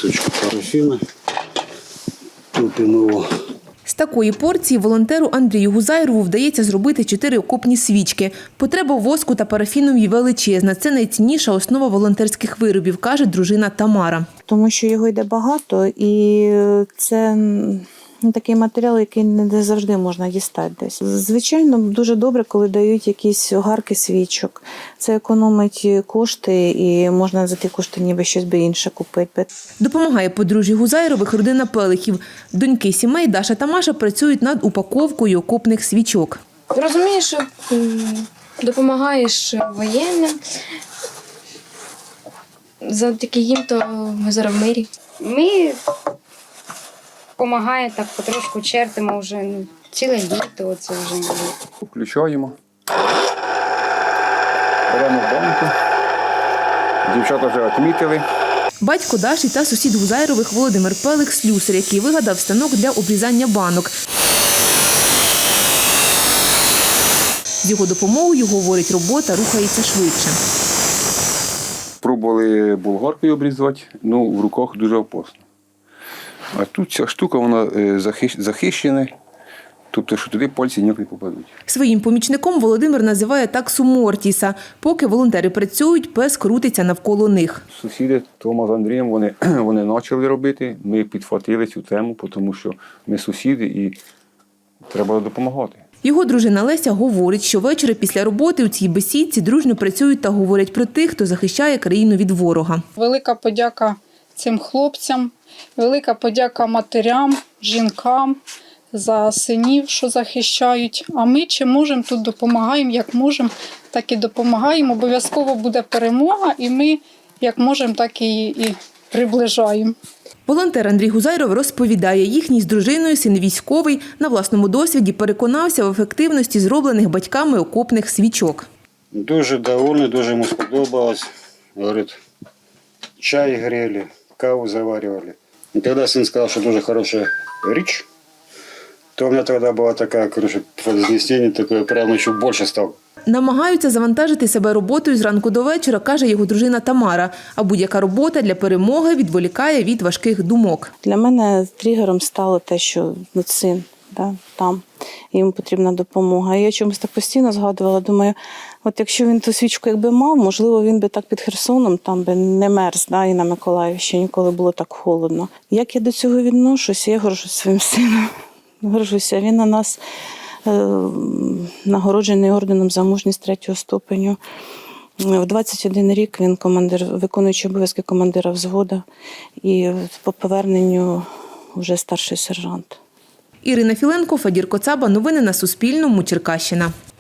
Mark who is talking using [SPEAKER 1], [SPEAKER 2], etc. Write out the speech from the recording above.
[SPEAKER 1] мисочку парафіна, топимо його.
[SPEAKER 2] З такої порції волонтеру Андрію Гузайрову вдається зробити 4 окопні свічки. Потреба воску та парафінові величезна. Це найцінніша основа волонтерських виробів, каже дружина Тамара.
[SPEAKER 3] Тому що його йде багато і це такий матеріал, який не завжди можна дістати десь. Звичайно, дуже добре, коли дають якісь огарки свічок. Це економить кошти і можна за ті кошти ніби щось би інше купити.
[SPEAKER 2] Допомагає подружжю Гузайрових родина Пелихів. Доньки сімей Даша та Маша працюють над упаковкою окопних свічок.
[SPEAKER 4] Розумієш, що допомагаєш воєнним. Завдяки їм то ми зараз в мирі.
[SPEAKER 5] Ми допомагаємо так потрошку, чертимо вже ціле літо. Оце вже.
[SPEAKER 6] Включаємо. Беремо банку. Дівчата вже відмітили.
[SPEAKER 2] Батько Даші та сусід Гузайрових Володимир Пелих – слюсар, який вигадав станок для обрізання банок. З його допомогою, говорить, робота рухається швидше.
[SPEAKER 6] Пробували болгаркою обрізати, але в руках дуже опасно. А тут ця штука, вона захищена, тобто, що туди пальці ніяк не попадуть.
[SPEAKER 2] Своїм помічником Володимир називає таксу Мортіса. Поки волонтери працюють, пес крутиться навколо них.
[SPEAKER 6] Сусіди Тома з Андрієм, вони почали робити, ми підхватили цю тему, тому що ми сусіди і треба допомагати.
[SPEAKER 2] Його дружина Леся говорить, що ввечері після роботи у цій бесідці дружно працюють та говорять про тих, хто захищає країну від ворога.
[SPEAKER 7] Велика подяка цим хлопцям, велика подяка матерям, жінкам за синів, що захищають. А ми чи можемо, тут допомагаємо, як можемо, так і допомагаємо. Обов'язково буде перемога, і ми як можемо, так і приближаємо.
[SPEAKER 2] Волонтер Андрій Гузайров розповідає, їхній з дружиною син військовий на власному досвіді переконався в ефективності зроблених батьками окопних свічок.
[SPEAKER 1] Дуже довольний, дуже йому сподобалось. Говорить, чай грели, каву заварювали. І коли син сказав, що дуже хороша річ, то у мене тоді була така, коротше, вознесення, таке, прямо ще більше став.
[SPEAKER 2] Намагаються завантажити себе роботою зранку до вечора, каже його дружина Тамара. А будь-яка робота для перемоги відволікає від важких думок.
[SPEAKER 3] Для мене тригером стало те, що син там, йому потрібна допомога. І я чомусь так постійно згадувала, думаю, от якщо він ту свічку якби мав, можливо, він би так під Херсоном там би не мерз, і на Миколаївщині, коли було так холодно. Як я до цього відношуся? Я горжусь своїм сином. Горжуся. Він на нас нагороджений орденом за мужність 3-го ступеню. В 21 рік він виконуючий обов'язки командира взводу і по поверненню вже старший сержант.
[SPEAKER 2] Ірина Філенко, Федір Коцаба. Новини на Суспільному. Черкащина.